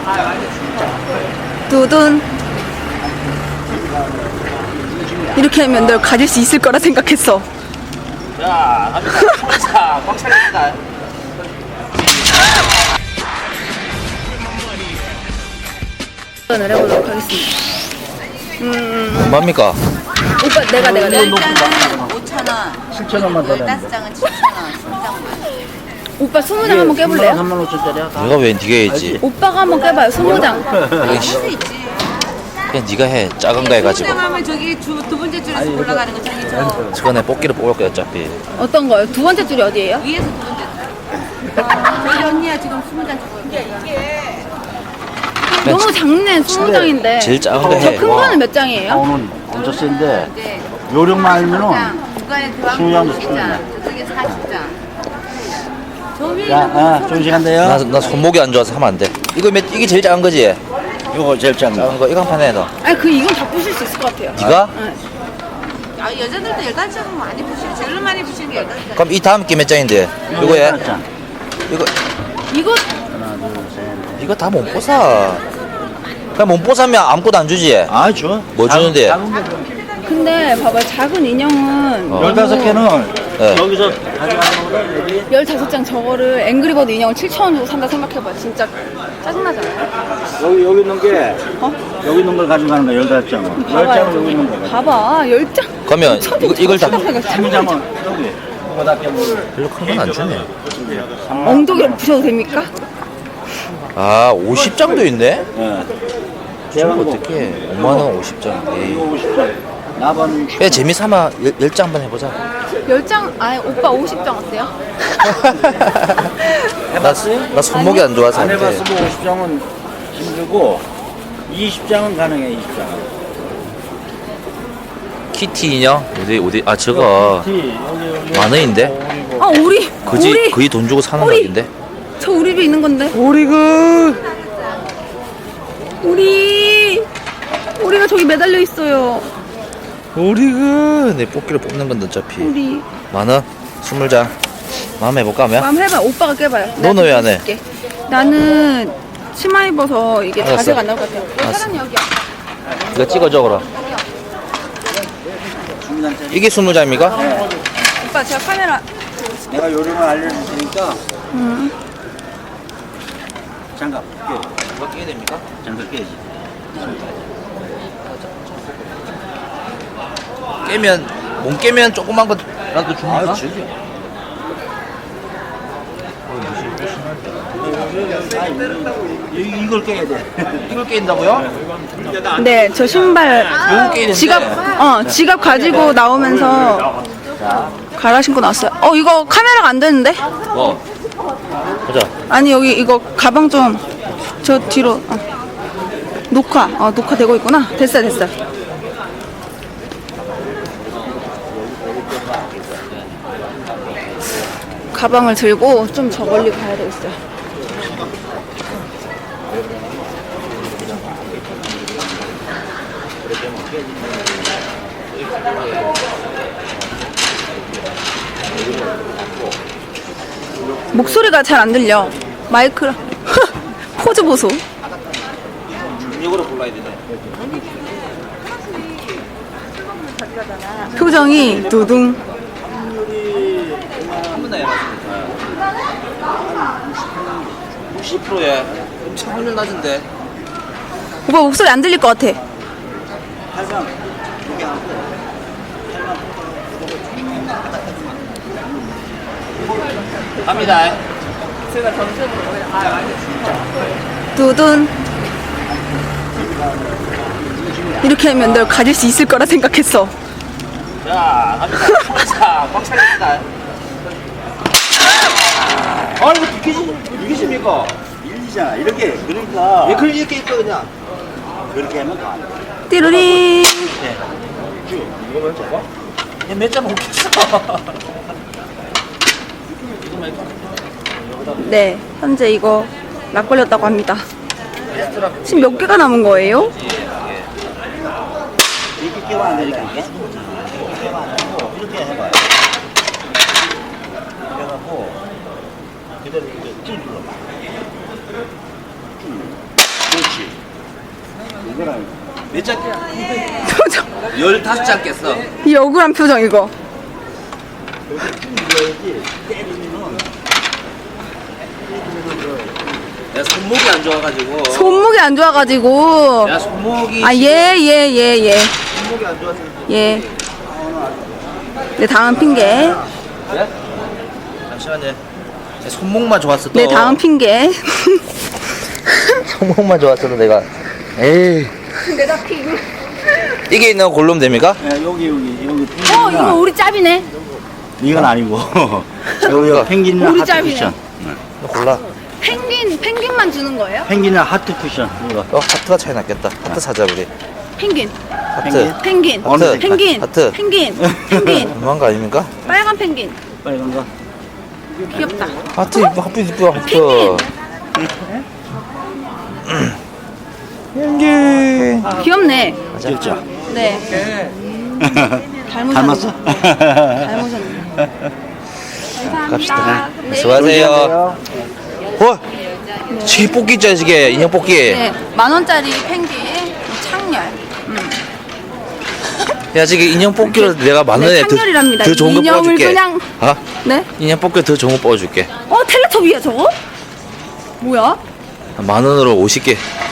두둔. 이렇게 하면 널 가질 수 있을 거라 생각했어. 자, 갑니다. 꽉 차립니다. 도전을 해보도록 하겠습니다. 얼마입니까? 오빠 내가 10장은 5,000원, 7,000원만 더 15장은 7,000원, 3장만. 오빠 20장 한번 깨볼래요? 35,000원짜리야. 네가 왜 네가 해야지? 오빠가 한번 깨봐요. 20장. 그냥, 그냥 네가 해. 작은 거 해가지고. 20장 하면 저기 두 번째 줄에서 올라가는 거 저기 저 저번에 뽑기를 뽑을 거야 어차피. 어떤 거요? 두 번째 줄이 어디예요? 위에서 두 번째 줄. 저희 언니야 지금 20장 주고 이게 너무 작네. 20장인데. 제일 작은 거 저 해. 큰 거는 몇 장이에요? 오늘 엄청 센데 이제 요령만 알면은 10장, 중간에 들어가면 20장도 30장, 저쪽에 40장. 저 위에 자, 좋은 시간 돼요. 나 손목이 안 좋아서 하면 안 돼. 이게 제일 작은 거지? 요거 제일 작은 작은 거. 거 이거 한 판 해 너. 아니 이건 다 부실 수 있을 것 같아요. 네가? 아, 여자들도 15장 많이 부시는 제일 많이 부시는 게 15장. 그럼 이 다음 게 몇 장인데? 이거 해? 자, 이거 이거 하나, 둘, 셋. 이거 다 못 보사. 그냥 못 보사면 아무것도 안 주지? 아, 줘. 뭐 주는데? 작은 거 줘. 근데 봐봐 작은 인형은 15개는 네. 여기서 가져가는 거보다 여기 15장 저거를 앵그리버드 인형을 7,000원 주고 산다 생각해봐. 진짜 짜증나잖아요. 여기 있는 게 어? 여기 있는 걸 가져가는 거야. 15장은. 10장은 여기 있는 거. 봐봐 10장. 그러면 이걸 다 3장은 여기. 이거다 깨면 별로 큰 건 안 주네. 엉덩이로 부셔도 됩니까? 아 50장도 있네? 예. 저거 대왕고. 어떻게 5만원 50장. 이거 50장. 나반 60. 그냥 재미삼아 10장 한번 해보자. 10장 아니 오빠 50장 어때요? 나 손목이 안 좋아서 안 안 돼. 해봤으면 50장은 힘들고 20장은 가능해. 20장. 키티 인형? 어디 아 저거 여기 만원인데? 아 우리 그지 거의 돈 주고 사는 우리. 가격인데? 저 우리도 있는 건데 오리그 우리가 저기 매달려 있어요. 오리그 내 뽑기를 뽑는 건데 어차피 우리 만원? 20장 마음 해볼까 하면? 마음 해봐. 오빠가 깨봐요. 너는 왜 안 해? 줄게. 나는 치마 입어서 이게 알았어. 자세가 안 나올 것 같아요. 알았어. 사람 여기야. 이거 찍어줘 그럼. 이게 20장입니까? 오빠 제가 카메라 내가 요령을 알려줄 테니까 장갑 깨. 이거 끼게 됩니까? 장갑 깨야지. 깨면 못 깨면 조그만 거라도 줍니까? 저기. 이걸 깨야 돼. 이걸 깨인다고요? 네, 저 신발 이거 깨는데 지갑 가지고 나오면서 갈아 신고 나왔어요. 이거 카메라가 안 되는데? 뭐? 보자. 아니 여기 이거 가방 좀 저 뒤로 녹화되고 있구나. 됐어. 가방을 들고 좀 저 멀리 가야 되겠어요. 목소리가 잘 안 들려. 마이크랑 포즈 보소. 이거로 골라야 되네. 표정이 두둥. 한번더 해봤습니다. 60%에 엄청 확률 낮은데. 오빠 목소리 안 들릴 것 같아. 갑니다. 두둔. 이렇게 하면 널 가질 수 있을 거라 생각했어. 자, 갑니다. 자, 꽉 차립니다. 아, 이거 비키십니까? 일리잖아. 이렇게 그러니까 왜 그걸 이렇게 입고 그냥? 그렇게 하면 더 안 돼. 띠루리. 이거 몇 잡아? 몇장 먹겠어? 네, 현재 이거 락 걸렸다고 합니다. 지금 몇 개가 남은 거예요? 이렇게 깨면 안 되니까 이게. 이렇게 깨면 안 되고 이렇게 해봐요. 그래갖고 그대로 이렇게 쭉 눌러봐. 몇장 표정. 15장 깼어. 이 억울한 표정 이거. 내가 손목이 안 좋아가지고. 손목이 안 좋아가지고. 내가 손목이. 아, 예. 손목이 안 좋아서. 예. 네, 다음 핑계. 네? 잠시만요. 내 손목만 좋았어도. 네, 다음 핑계. 손목만 좋았어도 내가. 에이. 근데 나 핑. 이게 있는 거 고르면 됩니까? 네, 여기 이거 우리 짭이네. 이건 아니고 여기 펭귄이랑 우리 하트 짭이네. 쿠션. 너 골라. 펭귄만 주는 거예요? 펭귄이랑 하트 쿠션 이거. 하트가 차이 났겠다. 하트 사자 우리. 펭귄. 하트. 펭귄. 어느 색깔? 펭귄. 하트. 펭귄. 너무한 거 아닙니까? 빨간 펭귄. 빨간 거. 귀엽다. 하트 이뻐. 하트 이뻐. 하트. 펭귄. 펭귄. 귀엽네. 귀엽죠? 네. 닮았어? 닮으셨네. 갑시다. 네. 수고하세요. 어? 저기 뽑기 있죠, 저게 인형 뽑기. 네. 10,000원짜리 펭귄 창렬. 야, 저기 인형 뽑기로 내가 만 원에 네, 창렬이랍니다. 더 좋은 거 인형을 뽑아줄게. 그냥- 아? 네? 인형 뽑기 더 좋은 거 뽑아줄게. 텔레토비야 저거? 뭐야? 만 원으로 50개.